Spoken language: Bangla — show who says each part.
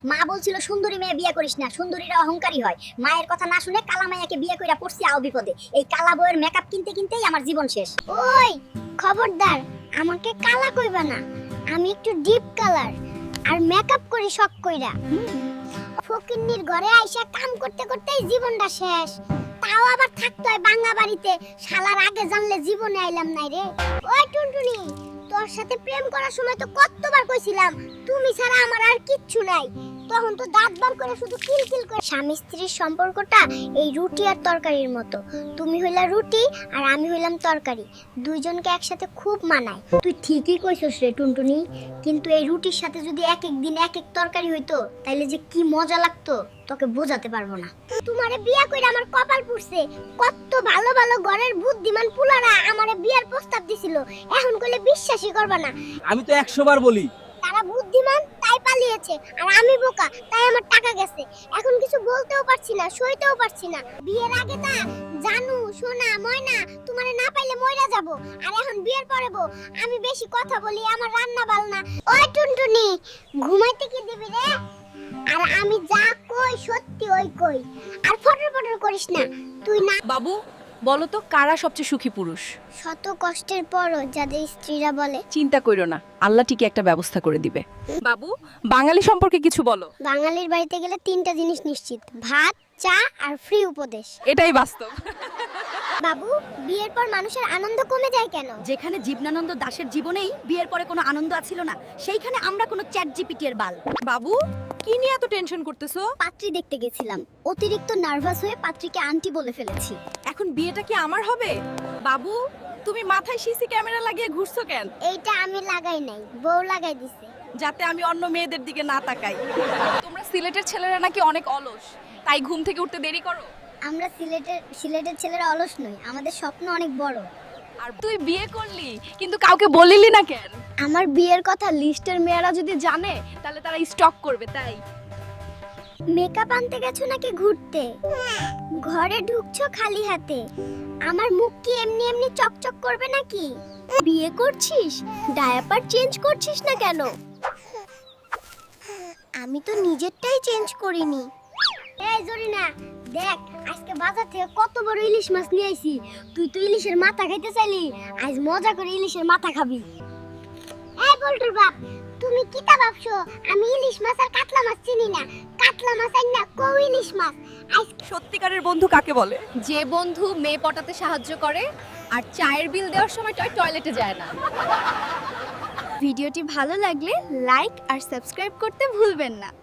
Speaker 1: মা বলছিল সুন্দরী মেয়ে বিয়ে করিস না, সুন্দরীরা অহংকারী হয়। মায়ের কথা না শুনে কালা মাইয়াকে বিয়ে কইরা পড়ছি আও বিপদে। এই কালা বউয়ের মেকআপ কিনতে কিনতেই আমার জীবন শেষ। ওই খবরদার, আমাকে কালা কইবা না। আমি একটু ডিপ কালার আর মেকআপ করি শখ কইরা। ফকিন্নির ঘরে আইসা কাম করতে করতেই জীবনটা শেষ। তাও আবার থাকতে হয় বাঙ্গা বাড়িতে। শালার আগে জানলে জীবনে আইলাম নাই রে। ওই টুনটুনি, তোর সাথে প্রেম করার সময় তো কতবার কইছিলাম তুমি ছাড়া আমার আর কিচ্ছু নাই। তখন তো দাঁত বার করে শুধু কিলকিল করে। স্বামী স্ত্রীর সম্পর্কটা এই রুটি আর তরকারির মতো। তুমি হইলা রুটি আর আমি হইলাম তরকারি, দুইজনকে একসাথে খুব মানায়। তুই ঠিকই কইছস রে টুনটুনি, কিন্তু এই রুটির সাথে যদি এক এক দিন এক এক তরকারি হইতো তাইলে যে কি মজা লাগতো তোকে বোঝাতে পারবো না। তোমারে বিয়া কইরা আমার কপাল পুড়ছে। কত ভালো ভালো ঘরের বুদ্ধিমান পুলারা আমারে বিয়ার প্রস্তাব দিছিল, এখন কইলে বিশ্বাসই করবা না।
Speaker 2: আমি তো 100 বার বলি
Speaker 1: তারা বুদ্ধিমান তাই পালিয়েছে, আর আমি বোকা তাই আমার টাকা গেছে। এখন কিছু বলতেও পারছি না, সইতেও পারছি না। বিয়ের আগে না জানু সোনা ময়না তোমারে না পাইলে মইরা যাব, আর এখন বিয়ের পরে বউ আমি বেশি কথা বলি, আমার রান্না বালনা। ওই টুনটুনি, ঘুমাইতে কি দিবি রে? আর আমি যা কই সত্যি ওই কই, আর ফটর ফটর করিস না। তুই না
Speaker 3: বাবু বলো তো কারা সবচেয়ে সুখী পুরুষ?
Speaker 1: শত কষ্টের পরও যাদের স্ত্রীরা বলে
Speaker 3: চিন্তা কইরো না, আল্লাহ ঠিকই একটা ব্যবস্থা করে দিবে। বাবু বাঙালি সম্পর্কে কিছু বলো।
Speaker 1: বাঙালির বাড়িতে গেলে তিনটা জিনিস নিশ্চিত: ভাত, চা আর ফ্রি উপদেশ।
Speaker 3: এটাই বাস্তব।
Speaker 1: বাবু, বিয়ের পর মানুষের আনন্দ কমে যায় কেন?
Speaker 4: যেখানে জীবনানন্দ দাশের জীবনেই বিয়ের পরে কোনো আনন্দ আছিল না, সেইখানে আমরা কোনো চ্যাট জিপিটি এর বাল।
Speaker 3: বাবু কি নিয়ে এত টেনশন করতেছো?
Speaker 1: পাত্রী দেখতে গেছিলাম, অতিরিক্ত নার্ভাস হয়ে পাত্রীকে আন্টি বলে ফেলেছি।
Speaker 3: এখন বিয়েটা কি আমার হবে? বাবু তুমি মাথায় সিসি ক্যামেরা লাগিয়ে ঘুরছো কেন?
Speaker 1: এইটা আমি লাগাই নাই, বউ লাগাই দিছে।
Speaker 3: যাতে আমি অন্য মেয়েদের দিকে না তাকাই। তোমরা সিলেটের ছেলেরা নাকি অনেক অলস, তাই ঘুম থেকে উঠতে দেরি করো।
Speaker 1: আমরা সিলেটের ছেলেরা অলস নই, আমাদের স্বপ্ন অনেক বড়।
Speaker 3: আর তুই বিয়ে করলি কিন্তু কাউকে বলিলি না কেন?
Speaker 1: আমার বিয়ের কথা
Speaker 3: লিস্টের মেয়েরা যদি জানে তাহলে তারা স্টক করবে, তাই।
Speaker 1: মেকআপ আনতে গেছো নাকি ঘুরতে? ঘরে ঢুকছো খালি হাতে, আমার মুখ কি এমনি এমনি চকচক করবে নাকি? বিয়ে করছিস, ডায়াপার চেঞ্জ করছিস না কেন? আমি তো নিজেরটাই চেঞ্জ করিনি। এই জরিনা, দেখ আজকে বাজার থেকে কত বড় ইলিশ মাছ নিয়ে আইছি। তুই তো ইলিশের মাথা খাইতে চাইলি, আজ মজা করে ইলিশের মাথা খাবি। এই বল্টুর বাপ, তুমি কিটা ভাবছো আমি ইলিশ মাছ আর কাতলা মাছ চিনি না? কাতলা মাছ আর না কও ইলিশ মাছ।
Speaker 3: সত্যিকারের বন্ধু কাকে বলে?
Speaker 4: যে বন্ধু মেয়ে পটাতে সাহায্য করে আর চায়ের বিল দেওয়ার সময় টয়লেটে যায় না।
Speaker 5: ভিডিওটি ভালো লাগলে লাইক আর সাবস্ক্রাইব করতে ভুলবেন না।